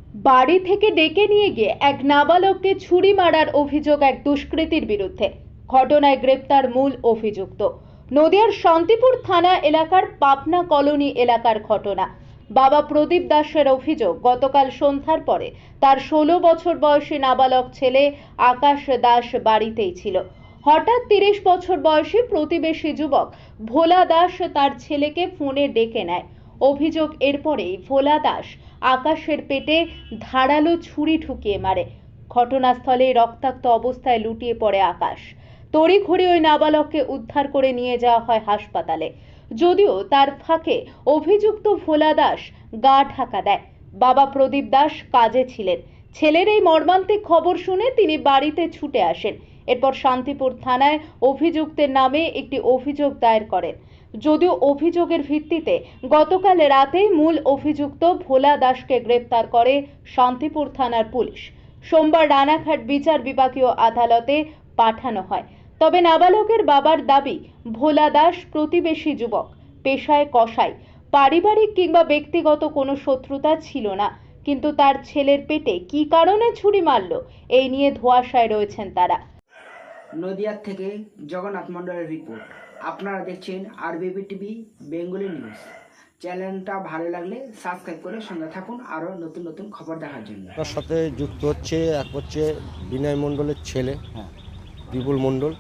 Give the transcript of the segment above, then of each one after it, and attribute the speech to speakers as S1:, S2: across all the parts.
S1: বাড়ি থেকে ডেকে নিয়ে গিয়ে এক নাবালককে ছুরি মারার অভিযোগ এক দুষ্কৃতীর বিরুদ্ধে। ঘটনায় গ্রেপ্তার মূল অভিযুক্ত। নদিয়ার শান্তিপুর থানা এলাকার পাবনা কলোনি এলাকার ঘটনা। বাবা প্রদীপ দাসের অভিযোগ, গতকাল সন্ধ্যার পরে তার 16 বছর বয়সী নাবালক ছেলে আকাশ দাস বাড়িতেই ছিল। হঠাৎ 30 বছর বয়সী প্রতিবেশী যুবক ভোলা দাস তার ছেলেকে ফোনে ডেকে নেয়। অভিযোগ, এরপরেই ভোলা দাস আকাশের পেটে ধারালো ছুরি ঢুকিয়ে মারে। ঘটনাস্থলে রক্তাক্ত অবস্থায় লুটিয়ে পড়ে আকাশ। তড়িঘড়ি ওই নাবালককে উদ্ধার করে নিয়ে যাওয়া হয় হাসপাতালে। যদিও তার ফাঁকে অভিযুক্ত ভোলা দাস গা ঢাকা দেয়। বাবা প্রদীপ দাস কাজে ছিলেন। ছেলের এই মর্মান্তিক খবর শুনে তিনি বাড়িতে ছুটে আসেন। এরপর শান্তিপুর থানায় অভিযুক্তের নামে একটি অভিযোগ দায়ের করেন। যদিও অভিযোগের ভিত্তিতে গতকাল রাতে মূল অভিযুক্ত ভোলা দাসকে গ্রেপ্তার করে শান্তিপুর থানার পুলিশ। সোমবার রানাঘাট বিচার বিভাগীয় আদালতে পাঠানো হয়। তবে নাবালকের বাবার দাবি, ভোলা দাস প্রতিবেশী যুবক, পেশায় কসাই, পারিবারিক কিংবা ব্যক্তিগত কোনো শত্রুতা ছিল না। কিন্তু তার ছেলের পেটে কী কারণে ছুরি মারল, এই নিয়ে ধোঁয়াশায় রয়েছেন তারা।
S2: নদিয়ার থেকে জগন্নাথ মণ্ডলের রিপোর্ট। আপনারা দেখছেন আরবিবি টিভি বেঙ্গলি নিউজ। চ্যানেলটা ভালো লাগলে সাবস্ক্রাইব করে সঙ্গে থাকুন আরও নতুন নতুন খবর দেখার জন্য।
S3: তার সাথে যুক্ত হচ্ছে এক হচ্ছে বিনয় মণ্ডলের ছেলে বিপুল মণ্ডল,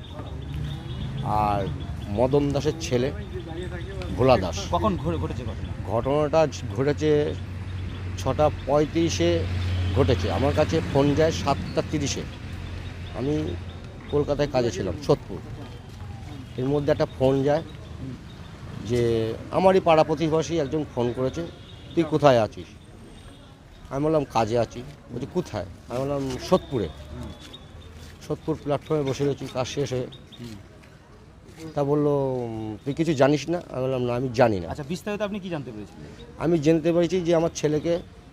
S3: আর মদন দাসের ছেলে ভোলা দাস।
S4: কখন ঘটেছে
S3: ঘটনাটা ঘটেছে 6:35-এ ঘটেছে। আমার কাছে ফোন যায় 7:30-এ। আমি কলকাতায় কাজে ছিলাম, সোদপুর। এর মধ্যে একটা ফোন যায় যে আমারই পাড়া প্রতিবেশী একজন ফোন করেছে, তুই কোথায় আছিস? আমি বললাম কাজে আছি। বলছি কোথায়? আমি বললাম সোদপুরে। সোদপুর প্ল্যাটফর্মে বসে রয়েছি কাজ শেষ হয়ে। তা বললো তুই কিছু জানিস না? আমি বললাম না, আমি জানি না।
S4: আচ্ছা, বিস্তারিত আপনি কি জানতে পেরেছেন?
S3: আমি জানতে পেরেছি যে আমার ছেলেকে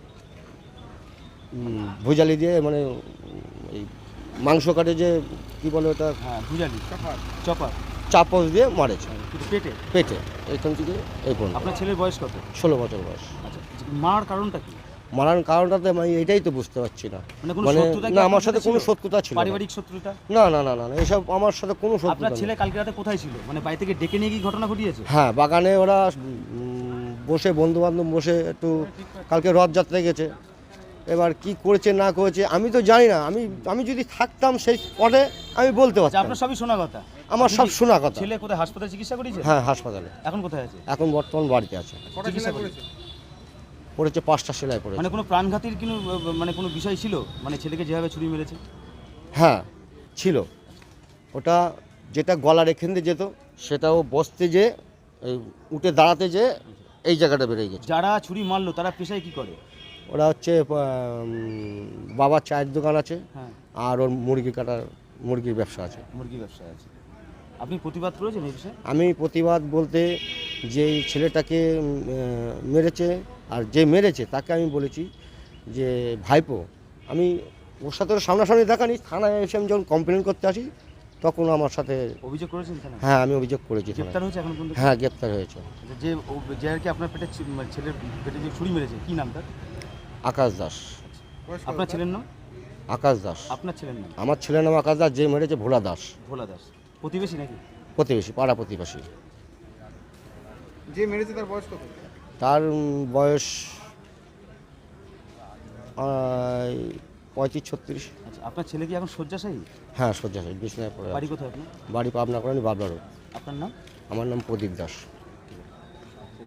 S3: ভুজালি দিয়ে, মানে এই মাংস কাটে যে কী বলে ওটা,
S4: হ্যাঁ, ভুজালি, চপার,
S3: চাপস দিয়ে মারেছে
S4: পেটে
S3: পেটে, এখান থেকে এই পর্যন্ত।
S4: আপনার ছেলের বয়স কত?
S3: 16 বছর বয়স।
S4: আচ্ছা, মারার কারণটা কি?
S3: মারার কারণটাতে আমি এটাই তো বুঝতে পারছি না।
S4: মানে
S3: না, আমার সাথে কোনো শত্রুতা ছিল না।
S4: পারিবারিক শত্রুতা?
S3: না না না না, এসব আমার সাথে কোনো শত্রুতা
S4: আপনার
S3: নেই।
S4: ছেলে কালকে রাতে কোথায় ছিল? মানে বাড়ি থেকে ডেকে নিয়ে কি ঘটনা ঘটিয়েছে?
S3: হ্যাঁ, বাগানে ওরা বসে বন্ধু বান্ধব বসে একটু, কালকে রথযাত্রায় গেছে। এবার কি করেছে না করেছে আমি তো জানি না। আমি যদি থাকতাম সেই স্পটে আমি বলতে পারতাম।
S4: আপনার সবই শোনা কথা?
S3: আমার সব শোনা কথা।
S4: ছেলে কোথায়, হাসপাতালে চিকিৎসা করেছে?
S3: হ্যাঁ, হাসপাতালে।
S4: এখন কোথায় আছে?
S3: এখন বর্তমান বাড়িতে আছে।
S4: চিকিৎসা করেছে?
S3: পড়েছে 5টা সেলাই পড়েছে।
S4: মানে কোনো প্রাণঘাতীর কোনো বিষয় ছিল? মানে ছেলেকে যেভাবে ছুরি মেরেছে?
S3: হ্যাঁ ছিল। ওটা যেটা গলার এখান দিয়ে যেত, সেটাও বসতে যে উঠে দাঁড়াতে যে এই জায়গাটা বেরিয়ে গেছে।
S4: যারা ছুরি মারলো তারা পেশায় কি করে?
S3: ওরা হচ্ছে বাবার চায়ের দোকান আছে,
S4: হ্যাঁ,
S3: আর ওর মুরগির ব্যবসা আছে।
S4: মুরগি ব্যবসা আছে। আপনি প্রতিবাদ করেছেন এই বিষয়ে?
S3: আমি প্রতিবাদ বলতে, যে এই ছেলেটাকে মেরেছে, আর যে মেরেছে তাকে আমি বলেছি যে ভাইপো, আমি ওর সাথে সামনাসামনি দেখানি, থানায় এসে আমি যখন কমপ্লেন করতে আসি তখন আমার সাথে।
S4: অভিযোগ করেছেন থানায়?
S3: হ্যাঁ, আমি অভিযোগ করেছি।
S4: গ্রেপ্তার হয়েছে এখন পর্যন্ত?
S3: হ্যাঁ, গ্রেপ্তার হয়েছে।
S4: যে আর কি আপনার পেটে ছেলের পেটে যে ছুরি মেরেছে, কি নাম তার?
S3: আকাশ দাস।
S4: আপনার ছেলের নাম?
S3: আকাশ দাস।
S4: আপনার ছেলের নাম?
S3: আমার ছেলের নাম আকাশ দাস, যে মেরেছে ভোলা দাস।
S4: ভোলা দাস। প্রতিবেশী নাকি?
S3: প্রতিবেশী, পাড়া প্রতিবেশী।
S5: যে মেরেছে তার বয়স কত?
S3: তার বয়স 35-36।
S4: আচ্ছা, আপনার ছেলে কি এখন শয্যাশায়ী?
S3: হ্যাঁ, শয্যাশায়ী, বিছানায় পড়ে আছে।
S4: বাড়ি কোথায় আপনার?
S3: বাড়ি পাবনা কলোনি, বাবলা রোড।
S4: আপনার নাম?
S3: আমার নাম প্রদীপ দাস।